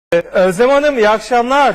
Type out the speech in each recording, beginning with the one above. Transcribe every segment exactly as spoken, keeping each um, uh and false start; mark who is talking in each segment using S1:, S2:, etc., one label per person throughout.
S1: Özlem Hanım, iyi akşamlar.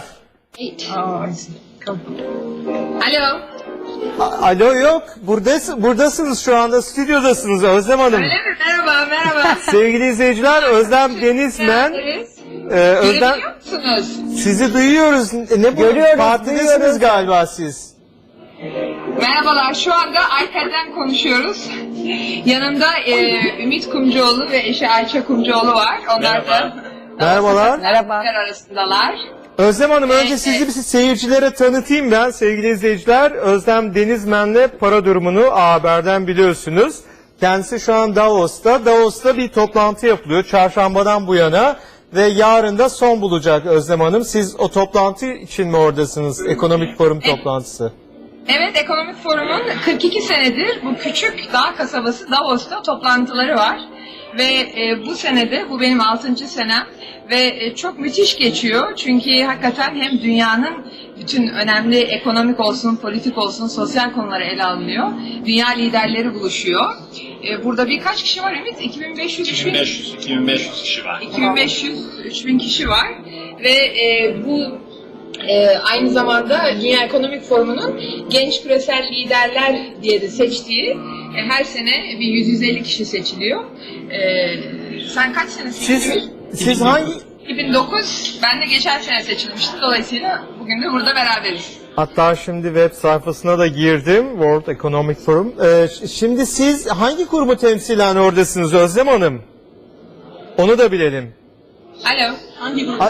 S2: Alo.
S1: A- Alo yok, buradasınız, buradasınız şu anda, stüdyodasınız Özlem Hanım.
S2: Öyle mi? Merhaba, merhaba.
S1: Sevgili izleyiciler, Özlem Denizmen.
S2: Geldiniz.
S1: Ee, Özlem,
S2: Görebiliyor musunuz?
S1: sizi duyuyoruz. Ne bu?
S3: Görüyoruz,
S1: Partidesiniz
S3: duyuyoruz.
S1: galiba siz.
S2: Merhabalar, şu anda iPad'den konuşuyoruz. Yanımda e, Ümit Kumcuoğlu ve eşi Ayça Kumcuoğlu var. Onlar da
S1: Merhabalar.
S3: Merhaba.
S2: arasındalar.
S1: Özlem Hanım, önce
S2: Evet,
S1: sizi
S2: evet.
S1: bir seyircilere tanıtayım ben sevgili izleyiciler. Özlem Denizmen'le para durumunu A Haber'den biliyorsunuz. Kendisi şu an Davos'ta. Davos'ta bir toplantı yapılıyor çarşambadan bu yana ve yarın da son bulacak Özlem Hanım. Siz o toplantı için mi oradasınız? Ekonomik forum toplantısı.
S2: Evet, Ekonomik Forum'un kırk iki senedir bu küçük dağ kasabası Davos'ta toplantıları var. Ve e, bu senede, bu benim altıncı senem ve e, çok müthiş geçiyor. Çünkü hakikaten hem dünyanın bütün önemli ekonomik olsun, politik olsun, sosyal konuları ele alınıyor. Dünya liderleri buluşuyor. E, burada birkaç kişi var Ümit, iki bin beş yüz
S4: iki bin beş yüz iki bin beş yüz kişi var.
S2: iki bin beş yüz üç bin kişi var ve e, bu e, aynı zamanda Dünya Ekonomik Forumu'nun genç küresel liderler diye de seçtiği e, her sene bir yüz yüz elli kişi seçiliyor. E, sen kaç sene
S1: Siz,
S2: seçildin?
S1: siz hangi...
S2: iki bin dokuz, ben de geçen sene seçilmiştim. Dolayısıyla bugün de burada beraberiz.
S1: Hatta şimdi web sayfasına da girdim, World Economic Forum. Ee, ş- şimdi siz hangi kurumu temsilen oradasınız Özlem Hanım? Onu da bilelim.
S2: Alo.
S3: Hangi
S1: A-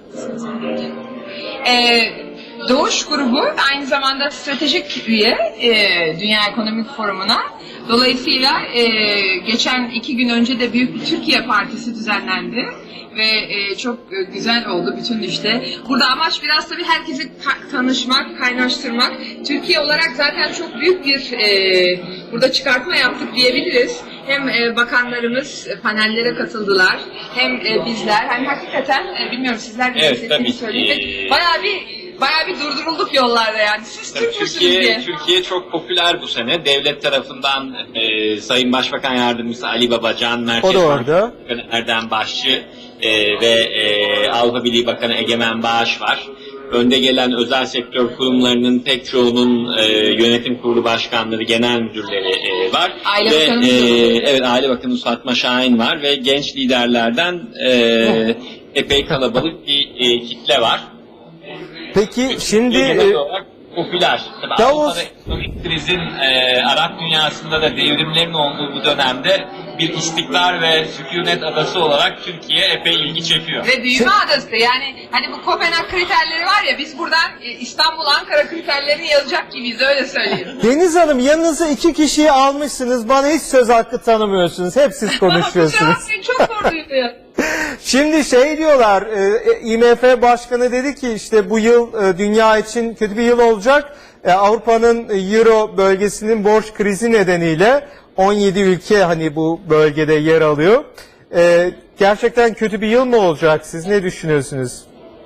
S2: Ee, Doğuş grubu aynı zamanda stratejik üye e, Dünya Ekonomik Forumu'na. Dolayısıyla e, geçen iki gün önce de büyük bir Türkiye Partisi düzenlendi ve e, çok e, güzel oldu bütün işte. Burada amaç biraz tabii herkesi ka- tanışmak, kaynaştırmak. Türkiye olarak zaten çok büyük bir e, burada çıkartma yaptık diyebiliriz. Hem e, bakanlarımız e, panellere katıldılar, hem e, bizler, hem hakikaten e, bilmiyorum sizler de
S4: Evet,
S2: hissettiğini
S4: tabii.
S2: söyleyin. Bayağı bir bayağı bir durdurulduk yollarda yani. Siz
S4: Tabii
S2: Türk müsünüz
S4: Türkiye,
S2: diye.
S4: Türkiye çok popüler bu sene. Devlet tarafından e, Sayın Başbakan Yardımcısı Ali Babacan, Merkez
S1: O da orada.
S4: Bankası Erdem Başçı e, ve e, Avrupa Birliği Bakanı Egemen Bağış var. Önde gelen özel sektör kurumlarının pek çoğunun e, yönetim kurulu başkanları, genel müdürleri e, var.
S2: Aile
S4: ve,
S2: Bakanımız
S4: e,
S2: da var.
S4: Evet, Aile Bakanımız Fatma Şahin var ve genç liderlerden e, epey kalabalık bir e, kitle var.
S1: Peki şimdi...
S4: Genel
S1: e,
S4: olarak popüler. Tabii
S1: Davos-
S4: Avrupa'da ekonomik krizin, e, Arap dünyasında da devrimlerin olduğu bu dönemde bir istikrar ve sükunet adası olarak Türkiye epey ilgi çekiyor.
S2: Ve büyüme adası yani hani bu Kopenhag kriterleri var ya, biz buradan e, İstanbul, Ankara kriterlerini yazacak gibiyiz, öyle söyleyeyim.
S1: Deniz Hanım, yanınıza iki kişiyi almışsınız, bana hiç söz hakkı tanımıyorsunuz, hep siz konuşuyorsunuz.
S2: Kusura bakmayın, çok zor duyuluyor.
S1: Şimdi şey diyorlar, e, I M F Başkanı dedi ki işte bu yıl e, dünya için kötü bir yıl olacak. E, Avrupa'nın e, Euro bölgesinin borç krizi nedeniyle on yedi ülke hani bu bölgede yer alıyor. E, gerçekten kötü bir yıl mı olacak? Siz ne düşünüyorsunuz?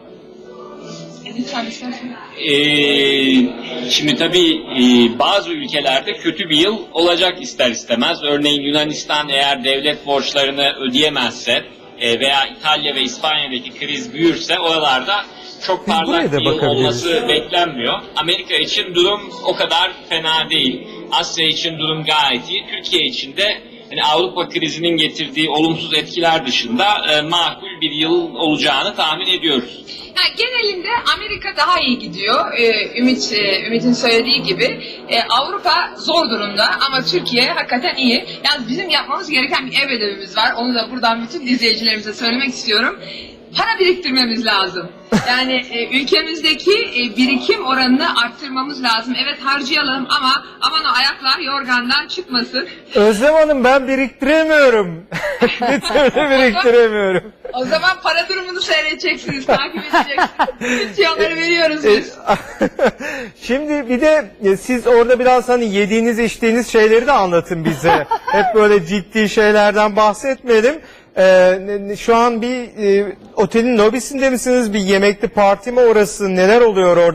S2: Lütfen, lütfen.
S4: E, şimdi tabii e, bazı ülkelerde kötü bir yıl olacak ister istemez. Örneğin Yunanistan eğer devlet borçlarını ödeyemezse e, veya İtalya ve İspanya'daki kriz büyürse oralarda çok
S1: Biz buraya
S4: parlak
S1: da
S4: bir yıl
S1: bakabiliriz.
S4: olması beklenmiyor. Amerika için durum o kadar fena değil. Asya için durum gayet iyi. Türkiye için de yani Avrupa krizinin getirdiği olumsuz etkiler dışında e, makul bir yıl olacağını tahmin ediyoruz.
S2: Yani genelinde Amerika daha iyi gidiyor. Ee, Ümit e, Ümit'in söylediği gibi. Ee, Avrupa zor durumda ama Türkiye hakikaten iyi. Yalnız bizim yapmamız gereken bir ev ödevimiz var. Onu da buradan bütün izleyicilerimize söylemek istiyorum. Para biriktirmemiz lazım. Yani e, ülkemizdeki e, birikim oranını arttırmamız lazım. Evet, harcayalım ama aman o ayaklar yorgandan çıkmasın.
S1: Özlem Hanım, ben biriktiremiyorum. Bir türlü biriktiremiyorum.
S2: O zaman para durumunu seyredeceksiniz, takip edeceksiniz. Tüyoları veriyoruz
S1: E,
S2: biz.
S1: Şimdi bir de e, siz orada biraz hani yediğiniz içtiğiniz şeyleri de anlatın bize. Hep böyle ciddi şeylerden bahsetmeyelim. E, ne- ne- şu an bir e, otelin lobisinde misiniz? Bir yemekli parti mi orası? Neler oluyor orada?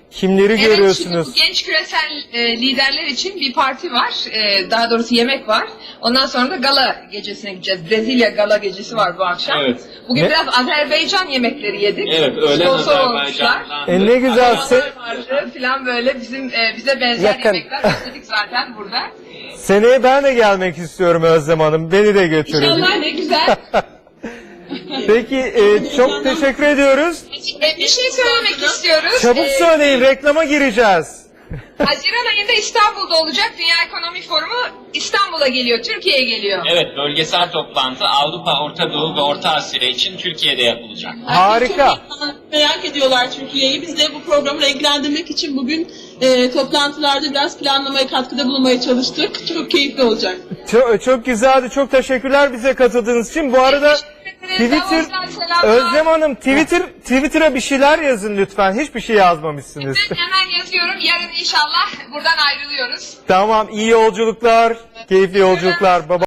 S1: Kimleri
S2: Evet,
S1: görüyorsunuz?
S2: şimdi bu genç küresel e, liderler için bir parti var. E, daha doğrusu yemek var. Ondan sonra da gala gecesine gideceğiz. Brezilya gala gecesi var bu akşam.
S4: Evet.
S2: Bugün
S1: Ne?
S2: biraz Azerbaycan yemekleri yedik.
S4: Evet, öğlen
S2: Sponsor olmuşlar.
S4: Azerbaycan'dan.
S1: E, ne güzel. Se-
S2: Vardı filan böyle bizim e, bize benzer
S1: Yakın.
S2: yemekler besledik zaten burada.
S1: Seneye ben de gelmek istiyorum Özlem Hanım. Beni de götürün.
S2: İnşallah ne güzel.
S1: Peki e, çok teşekkür ediyoruz.
S2: E, bir şey söylemek istiyoruz.
S1: Çabuk
S2: E,
S1: söyleyin, reklama gireceğiz.
S2: Haziran ayında İstanbul'da olacak Dünya Ekonomik Forumu İstanbul'a geliyor, Türkiye'ye geliyor.
S4: Evet, bölgesel toplantı Avrupa, Orta Doğu ve Orta Asya için Türkiye'de yapılacak.
S1: Harika.
S3: Çok merak ediyorlar Türkiye'yi. Biz de bu programı renklendirmek için bugün e, toplantılarda biraz planlamaya katkıda bulunmaya çalıştık. Çok keyifli olacak.
S1: Çok, çok güzeldi. Çok teşekkürler bize katıldığınız için. Bu arada Twitter,
S2: Davos'tan selamlar.
S1: Özlem Hanım Twitter Twitter'a bir şeyler yazın lütfen. Hiçbir şey yazmamışsınız.
S2: Ben hemen yazıyorum. Yarın inşallah buradan ayrılıyoruz.
S1: Tamam, iyi yolculuklar, keyifli yolculuklar. Baba.